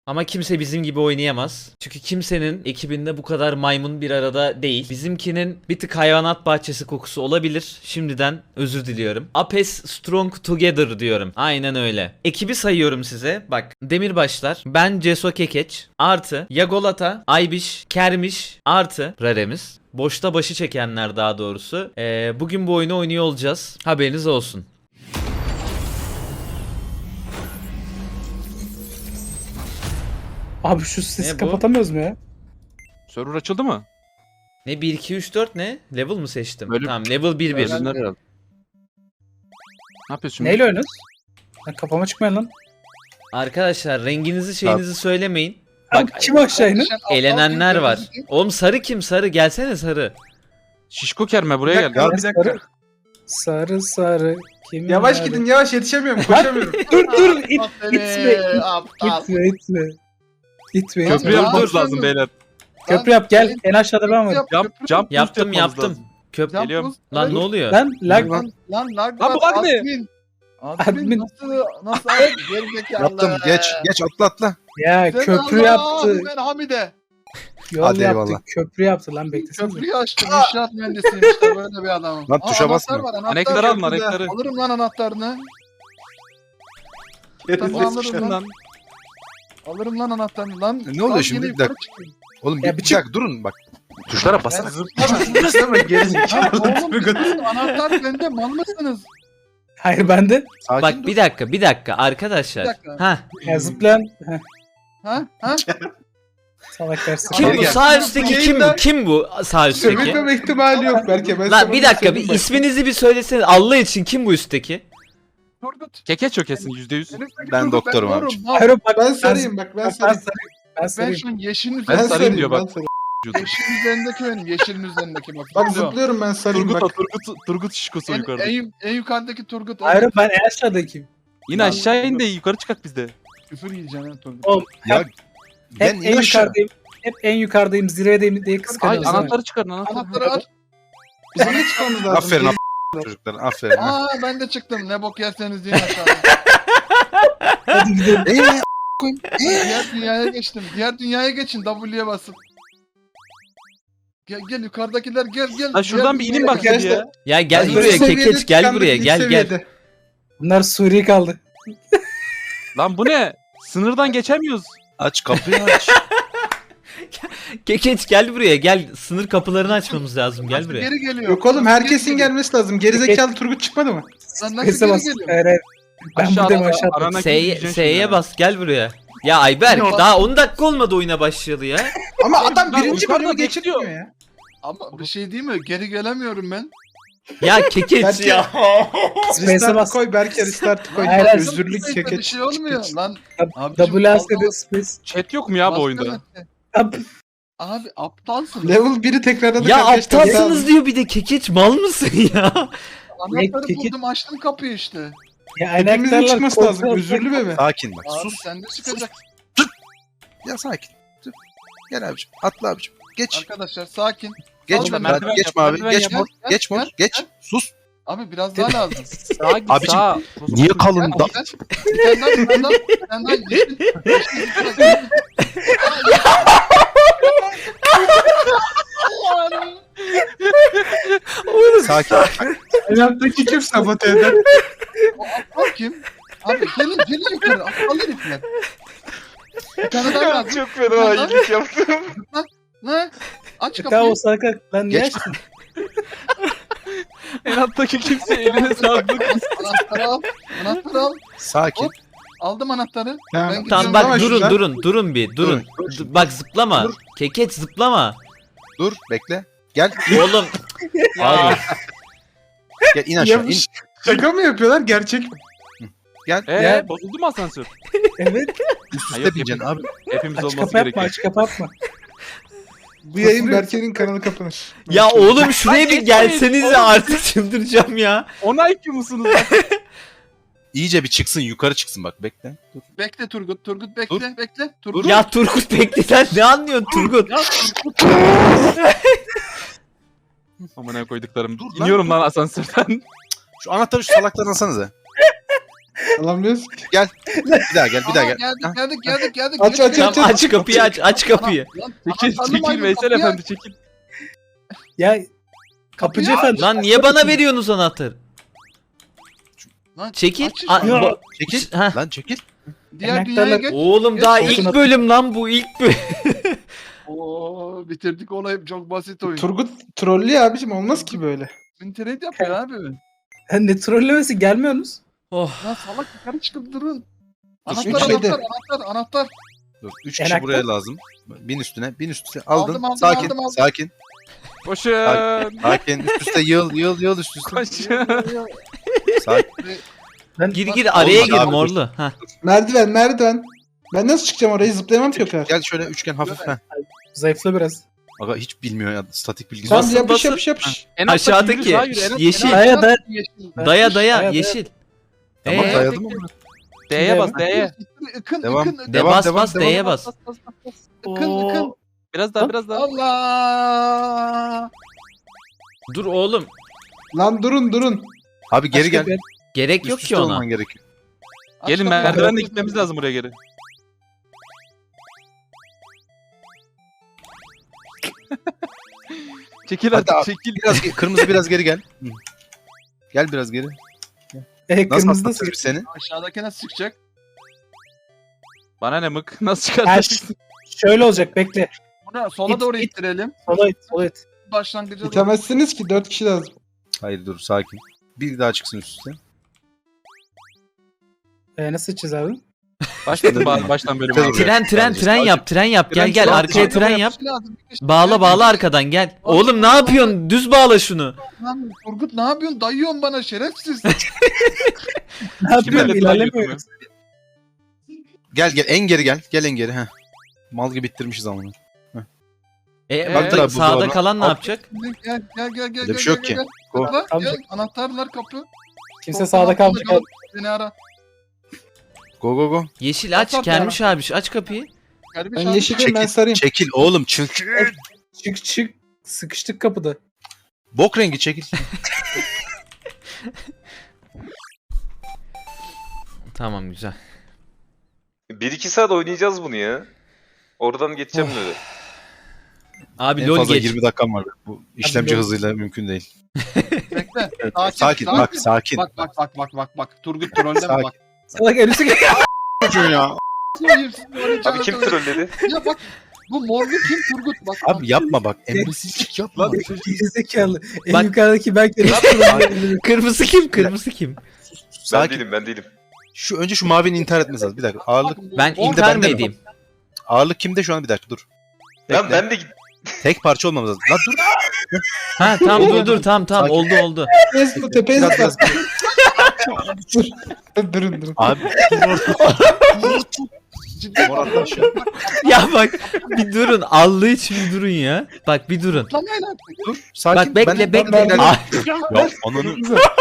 Ama kimse bizim gibi oynayamaz. Çünkü kimsenin ekibinde bu kadar maymun bir arada değil. Bizimkinin bir tık hayvanat bahçesi kokusu olabilir. Şimdiden özür diliyorum. Apes Strong Together diyorum. Aynen öyle. Ekibi sayıyorum size. Bak, Demirbaşlar, ben Ceso Kekeç, artı Yagolata, Aybiş, Kermiş, artı Raremiz. Boşta başı çekenler daha doğrusu. Bugün bu oyunu oynuyor olacağız. Haberiniz olsun. Abi şu sesi Ne bu? kapatamıyoruz mu ya? Server açıldı mı? Ne 1 2 3 4 ne? Level mı seçtim? Bölüm- Tamam, level 1 1. Bölümler herhalde. Ne yapıyorsun şimdi? Neyle oynuyoruz? Lan kafama çıkmayın lan. Arkadaşlar renginizi şeyinizi söylemeyin. Bak kim aşağı inin? Elenenler var. Oğlum sarı kim? Sarı gelsene sarı. Şişko kerme buraya gel. Ya bir dakika. Sarı sarı. Kim Yavaş nerede? gidin yavaş yetişemiyorum koşamıyorum. Dur itme Aptal. itme itme. İtme Köprü itme. yapmamız lazım beyler. Köprü yap gel. En aşağıda ben varım. Jump Yaptım boost yapmamız yaptım. lazım. Köp Geliyorum. Lan ne oluyor? Lan lag Lan lag Lan bu var, lag ne? admin. Admin. Admin nasıl gerizekalı. Yaptım geç atla. ya Sen köprü Allah, yaptı. Ben Hamide. Yol Hadi yaptı. eyvallah. Köprü yaptı lan beklesene. Köprüyü açtım. İnşaat mühendisiyim işte böyle bir adamım. Lan tuşa basma. Anahtar var anahtar. Anekleri alma köprüde. anekleri. Alırım lan anahtarını. Gerizekalı. Alırım lan. Alırım lan anahtarını lan. Ne oluyor Lan şimdi? yine Bir dakika. yukarı çıkayım. Oğlum Ya bir bir çık- dakika durun bak. Tuşlara basana. Zıplama gerizekalı. Lan oğlum bir sus, anahtar bende mal mısınız? Hayır bende. Sakin Bak dur. bir dakika arkadaşlar. Bir dakika. Ha. Ya zıplayan. Heh, Ha? Ha? salak dersin. Kim Geri bu? gel. Sağ üstteki kim bu? Kim bu sağ üstteki? Sövülmeme ihtimali yok belki. Ben Lan sana bir dakika bir söyleyeyim bak. isminizi bir söyleseniz Allah için kim bu üstteki? Turgut. Keke çökesin %100. Ben doktorum doğrum. abicim. Mal. Hayır bak Ben sarayım bak ben Ben sarayım. Ben Ben sarayım. şu an yeşilin Ben üzerinde. sarayım diyor bak. ben sarayım. Yeşilin üzerindeki benim. Yeşilin üzerindeki bak. Bak Zıplıyor. zıplıyorum ben sarayım Turgut bak. Turgut şişkosu yukarıda. En yukarıdaki Turgut. Hayır ben en aşağıdakiyim. Yine aşağı in de yukarı çıkak bizde. Küfür yiyeceğim lan Turgut. Oğlum Ya hep ben en in aşağı. yukarıdayım. Hep en yukarıdayım, zirvedeyim diye Ay kıskanıyoruz. ha. anahtarı çıkarın anahtarı. Anahtarı aç. Bizim ne çıkmamız lazım? Aferin çocuklar aferin. Aa ben de çıktım. Ne bok yerseniz yiyin aşağıda. Hadi gidelim. Diğer dünyaya geçtim. Diğer dünyaya geçin. W'ye basın. Gel yukarıdakiler gel. Lan şuradan bir inin bak ya. Ya gel Ben buraya ilk seviyede kekeç gel tıkandık, buraya ilk gel gel. seviyede. Bunlar Suriye kaldı. Lan bu ne? Sınırdan geçemiyoruz. Aç kapıyı aç. Kekeç gel buraya gel. Sınır kapılarını açmamız lazım gel buraya. Geri geliyor. Yok oğlum herkesin Geri gelmesi lazım. Gerizekalı Turgut çıkmadı mı? Lan nasıl Kese geri bas. geliyor? Hayır hayır. Ben Aşağıda buradayım aşağıda. arana S'ye bas gel buraya. Ya Ayberk Yok. daha 10 dakika olmadı oyuna başlayalı ya. Ama adam Lan birinci yukarıda bölümü bekliyor. geçirmiyor ya. Ama bir şey değil mi? Geri gelemiyorum ben. Ya kekeç Belki- ya. Space'e Restart bas. koy Berke restart koy. Hayır, hayır. Özürlük Bir çeket. şey olmuyor lan. Abicim, WASD space. Chat yok mu ya bu oyunda? Ab- Abi aptalsın. Level 1'i tekrarladık Ya arkadaşlar. aptalsınız diyor bir de kekeç mal mısın ya? Anahtarı Peki. buldum açtım kapıyı işte. Ya Hepimizin anahtarlar çıkması lazım. kontrol- Özürlü bebe. Sakin bak Abi sus. sen de çıkacak. Ya sakin. Dur. Gel abicim atla abicim. Geç. Arkadaşlar sakin. Geç. Al da merdiven Geç yap, abi. merdiven Geç yap. mor. Gel, Geç mor. gel, Geç. gel. Sus. Abi biraz daha lazım. Sağa git Abicim, sağa. Niye kalın da? Bir tane daha. Yeşil. Sakin. Hayattaki kim sabote eder? O aptal kim? Abi gelin yukarı. Aptal herifler. Bir tane daha lazım. Çok fena iyilik yaptım. Ne? Aç Tamam kapıyı. o salak lan niye Geç. açtın? En alttaki kimse eline sağlık. Anahtarı al. Anahtarı al. Sakin. Hop. Aldım anahtarı. Tamam, Ben Tamam gidiyorum. bak Zıplama durun şuradan. durun bir durun. Bak zıplama. Dur. Kekeç zıplama. Dur bekle. Gel. Oğlum. Ya. Gel in aşağı. Ya bu in. şaka mı yapıyorlar gerçek mi? Gel. Ya. Bozuldu mu asansör? Evet. Üst Hayır, üste bineceksin abi. Hepimiz Aç olması kapı yapma gerekiyor. aç kapı yapma. Bu yayın Berke'nin kanalı kapanır. Ya oğlum şuraya bir Ay, gelsenize oğlum. artık çıldıracağım ya. Ona IQ musunuz? İyice bir çıksın yukarı çıksın bak bekle. Dur. Bekle Turgut. Turgut bekle. Dur. Bekle. Turgut. Ya Turgut bekle sen ne anlıyorsun Turgut? Ya Turgut. Amına koyduklarım. Dur lan, İniyorum dur. lan asansörden. Şu anahtarı şu salaktan alsanıza. Alamıyoruz ki. Bir daha gel, bir daha gel. Geldik geldik geldik geldik. Aç, aç, Geç, aç, geç. Tamam aç kapıyı aç kapıyı. Lan, Çekil anahtarlı çekil maymun, Veysel kapıyı efendi çekil. Ya kapıcı Kapıyı efendi. Lan niye bana veriyorsunuz anahtarı? Lan, Çekil. aç işte. Ya. Çekil. Heh. Lan çekil. Diğer Emektarlar- dünyaya geç. Oğlum Geç, daha geç. ilk bölüm lan bu ilk bölüm. Oo, bitirdik olayı, çok basit oyun. Turgut trollüyor abicim, olmaz ki böyle. İnternet yapıyor abi. Ha, ne trollemesi gelmiyorsunuz? Oh. Lan salak yukarı çıkıp durun. Üç Anahtar şeyde. anahtar. Dur. 3 kişi Enakta. buraya lazım. Bin üstüne. Aldın. Aldım, sakin. aldım. Sakin. Koşun. Sakin. Üst üste yıl üst üste. Koşun. Sakin. Gir araya Olmadı gir abi, morlu. Heh. Merdiven. Ben nasıl çıkacağım oraya? Zıplayamam ki o kadar. Gel şöyle üçgen hafif. Heh. Zayıfla biraz. Aga hiç bilmiyor ya. Statik bilgisi. Tamam Basın, yapış basın. yapış. En alttaki Aşağıdaki yürü, daha yürü, en alt- yeşil. en alt- Daya daya. Daya Daya. yeşil. Tamam Ee? dayadım ama. D'ye bas D'ye. Ikın Devam. ıkın. De bas bas D'ye bas. Ikın. Biraz daha biraz daha. Allah. Dur oğlum. Lan durun. Abi geri Başka gel. bir- Gerek Üst yok üste ki ona. olman gerekiyor. Gelin merdivenle gitmemiz lazım buraya geri. Çekil Hadi artık abi. çekil. Kırmızı biraz geri gel. Hı. Gel biraz geri. Nasıl Kırmızı da atlatırız seni? Aşağıdaki nasıl çıkacak? Bana ne mık? Nasıl Ha, çıkartacaksın? şöyle olacak bekle. Bunu sola İt, doğru it. ittirelim. Sola it. Başlangıca doğru. İtemezsiniz ki 4 kişi lazım. Hayır dur sakin. Bir daha çıksın üst üste. Nasıl içeceğiz abi? Başlatın baştan bölümü. Tren, abi. Tren yap. Gel Tren çok arkaya güzel. tren yap. Lazım. Bağla arkadan gel. Oğlum ne yapıyorsun? Düz bağla şunu. Lan Turgut ne yapıyorsun? Dayıyorsun bana şerefsiz. Ne yapıyorsun? öyle İlerlemiyoruz. Gel en geri gel. Gel en geri. Heh. Mal gibi bittirmişiz ama. Baktır abi, Sağda buzdolabı. kalan ne Al. yapacak? Gel. Öyle bir şey yok ki. Go. Tıkla, Tamam. gel. Anahtarlar kapı. Kimse sağda kalmayacak. abi. Beni ara. Go. Yeşil aç. Kapat Kermiş abi aç kapıyı. Kardeş Ben abi. yeşilim, ben sarayım. Çekil oğlum çık. Çık. Sıkıştık kapıda. Bok rengi çekil. Tamam güzel. 1-2 saat oynayacağız bunu ya. Oradan geçeceğim böyle. Abi En lol fazla geç. 20 dakikam var. Bu işlemci lol. hızıyla mümkün değil. Bekle. Sakin bak sakin. Bak. Turgut trolleme Sakin. bak. Salak elbise gel. ya. Abi kim trolledi? Ya bak. Bu morlu kim Turgut? Bak. Abi yapma bak. Emresizlik yapma. Gerizekalı. En Bak- yukarıdaki ben Kırmızı kim? Sakin. Ben değilim. Önce şu mavinin intihar etmesi lazım. Bir dakika. Ağırlık Ben Mor- intihar mı bende mi? edeyim? ağırlık kimde şu an? Bir dakika dur. Lan Bekle. ben de git. Tek parça olmamız lazım. Lan dur. Ha tamam dur tamam Sakin. oldu. Tepeye Biraz, zıpla. biraz. Durun. Abi. Ciddi Mor atla aşağı. Ya bak bir durun. Allah için bir durun ya. Bak bir durun. Atlamayın artık. Dur. Sakin. Bak bekle Ben- bekle. ben- Ay, Ya ananı.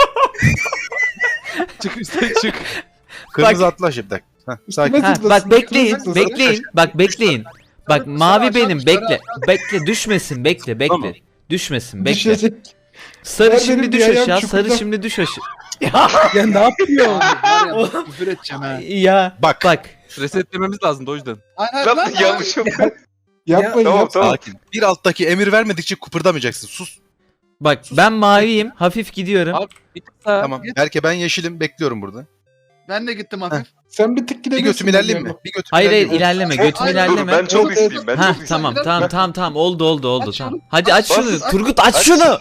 Çık üstte çık. Kırmızı atla aşağı bir dakika. Heh, sakin. Üstüme ha, zıplasın, bak bekleyin. zıplasın. Bekleyin. Bak mavi benim bekle. Bekle düşmesin bekle. Tamam. Düşmesin bekle. Düşecek. Sarı Ver şimdi benim düş bir ayağım aşağı. çukurda. Sarı şimdi düş aşağı. Ya ne yapıyor? Var ya, küfür edeceğim ha. Ya Bak. bak. Resetlememiz lazım da o yüzden. Hayır Lan lan. yanlış yok. Yapmayın Tamam, yapmayın. tamam. Sakin. Bir alttaki emir vermedikçe kıpırdamayacaksın. Sus. Bak ben maviyim. Hafif gidiyorum. Abi bir tık daha. Tamam. git. Berke ben yeşilim. Bekliyorum burada. Ben de gittim hafif. Sen bir tık Bir gidebilirsin. götüm ilerleyeyim mi? Bir götüm Hayır ilerleyeyim mi? ilerleme. Götüm Hayır, Dur ilerleme. ben çok Evet, isteyeyim. Ben Ha çok isteyeyim. tamam oldu Aç tamam. şunu. Hadi aç Bas, şunu. aç. Turgut aç Aç. şunu.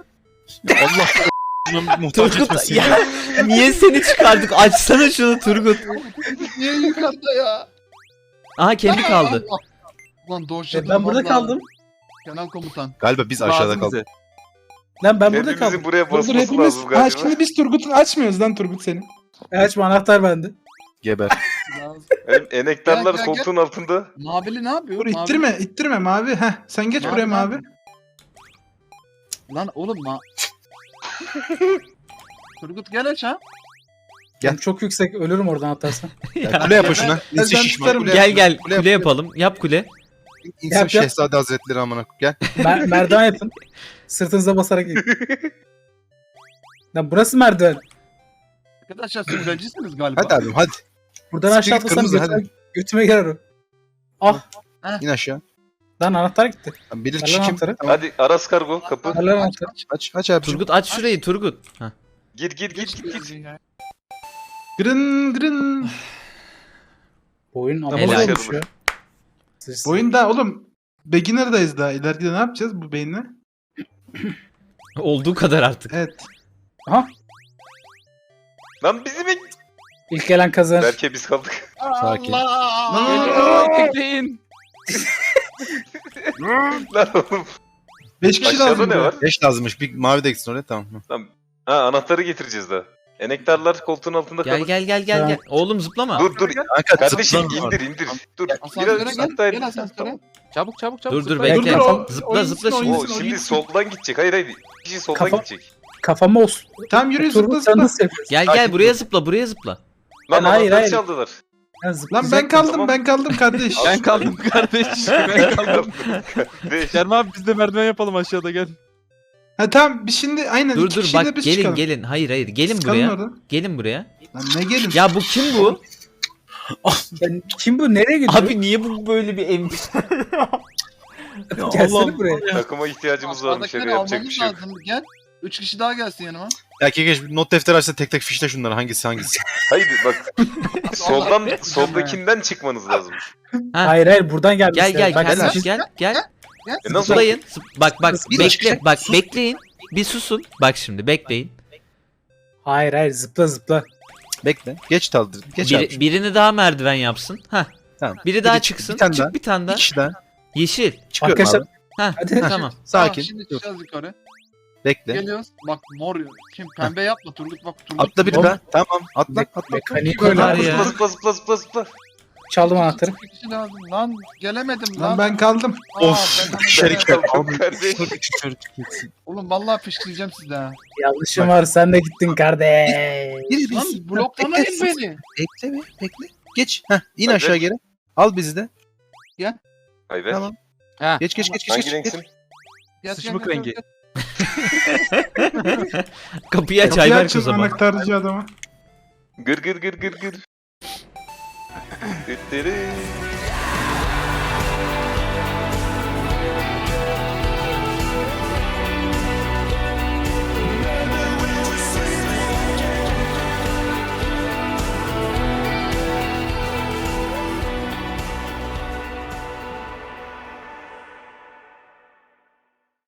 Allah muhtaç Turgut etmesin. ya niye seni çıkardık? Açsana şunu Turgut. Niye yukarıda ya? Aha kendi kaldı. Allah. Ulan dojladım. Ben burada vallahi. kaldım. Kenan komutan. Galiba biz aşağıda Lazım kaldık. bize. Lan ben burada Hepimizin kaldım. buraya Dur basması hepimiz. lazım Ha galiba. şimdi biz Turgut'un açmıyoruz lan Turgut seni. Açma anahtar bende. Geber. Benim enektarlar Gel, gel, koltuğun altında. Mavili ne yapıyor? Dur ittirme mavi. Heh sen geç Mavi, buraya mavi. mavi. Lan oğlum Turgut gel aç ha. Gel. Ben çok yüksek ölürüm oradan atarsan. Ya, kule yapın şuna. Ben İnsin şişman. tutarım. Kule Gel yap. kule yapalım. Yap kule. İnsin Yap. Şehzade Hazretleri amına. Gel. Merdiven yapın. Sırtınıza basarak in. Lan burası merdiven. Arkadaşlar siz öncisiniz galiba. Hadi abim hadi. Buradan aşağı Spirit atlasam kırmızı, götüme girer o. Ah İn aşağı. lan anahtar gitti. Tamam, bilir Ver kişi lan kim? anahtarı. Tamam. Hadi Aras Kargo kapı. Ver lan anahtarı. Aç abicim. Turgut aç şurayı Turgut. Heh. Gir gir gir gir. gir. Gırın gırın. Bu oyun ama Helal. olmuş ya. Bu oyunda oğlum beginner'dayız daha. İleride ne yapacağız bu beyinle? Olduğu kadar artık. Evet. Aha Lan bizi mi? ilk gelen kazanır. Berke biz kaldık. Sakin. Allah! Bekleyin. Lan oğlum. 5 kişi Aşağıda lazım. ne var? 5 lazımmış. Bir mavi de gitsin oraya tamam. Ha anahtarı getireceğiz daha. Enektarlar koltuğun altında Gel kalır. gel. Oğlum zıplama. Dur. Kanka Kardeşim zıplama var. indir. Dur. Asansöre Biraz gel. hatta Gel asansöre. Çabuk. Dur zıplayın. bekle. Dur, o- Zıpla oyuncusun, zıpla şimdi. O oyuncusun. şimdi soldan gidecek. Hayır. Bir kişi soldan Kafa- gidecek. Kafama olsun. Tamam yürü zıpla Turgut sen zıpla. nasıl yapıyorsun? Gel buraya zıpla. Lan hayır, anahtarı hayır. çaldılar. Ben Lan zıplayacak ben mıyım? kaldım ben kaldım kardeş. Ben kaldım kardeş. Ben kaldım. Kardeş. Kerem abi biz de merdiven yapalım aşağıda gel. Ha tamam biz şimdi aynen iki Dur kişiyle bak biz gelin çıkalım. gelin. Hayır gelin Sıkalım buraya. oradan. Gelin buraya. Lan ne gelin? Ya bu kim bu? Ben, kim bu? Nereye gidiyor? Abi niye bu böyle bir em... Gelsene buraya. Takıma ihtiyacımız varmış. Aşağıdakileri Yapacak bir almamız şey yok. lazım. Gel. 3 kişi daha gelsin yanıma. Ya Kekeş bir not defteri açsa tek fişle şunları hangisi. Hayır bak. Soldakinden çıkmanız lazım. Ha. Hayır buradan gelmişler. Gel Bak, gel siz- gel. Nasıl? Zıplayın. Bak Bir bekle. Bak bekleyin. Bir susun. Bak şimdi bekleyin. Hayır zıpla. Bekle. Geç taldır. Geç abi. Birini daha merdiven yapsın. Hah. Tamam. Biri daha çıksın. Bir tane Çık daha. bir tane Bir daha. kişi daha. Yeşil. Çıkıyorum Arkadaşlar- abi. Hah. Hadi. Tamam. Sakin. Şimdi Dur. çıkacağız yukarı. Bekle. Geliyoruz. Bak mor. Kim? Pembe yapma Turgut bak. Turgut. Atla bir daha. Tamam. Atla. Mekaniği Bu kadar böyle. ya. Zıpla. Çaldım anahtarı. Bir kişi lazım. Lan gelemedim lan. Lan ben kaldım. Aa, Of, ben- dışarı Kaldım kardeş. Oğlum vallahi fışkıracağım size ha. Yanlışım var sen de gittin kardeş. Gir Lan biz. bloklamayın Bekle. beni. Bekle. Geç. Heh, in Hadi. aşağı geri. Al bizi de. Hayır be. Tamam. Ha. Geç. Hangi renksin? Gel, Sıçmık gel, rengi. gel. Kapıyı aç Kapıyı Ayberk o açın zaman. anahtarcı adama. Gır. Düttürü.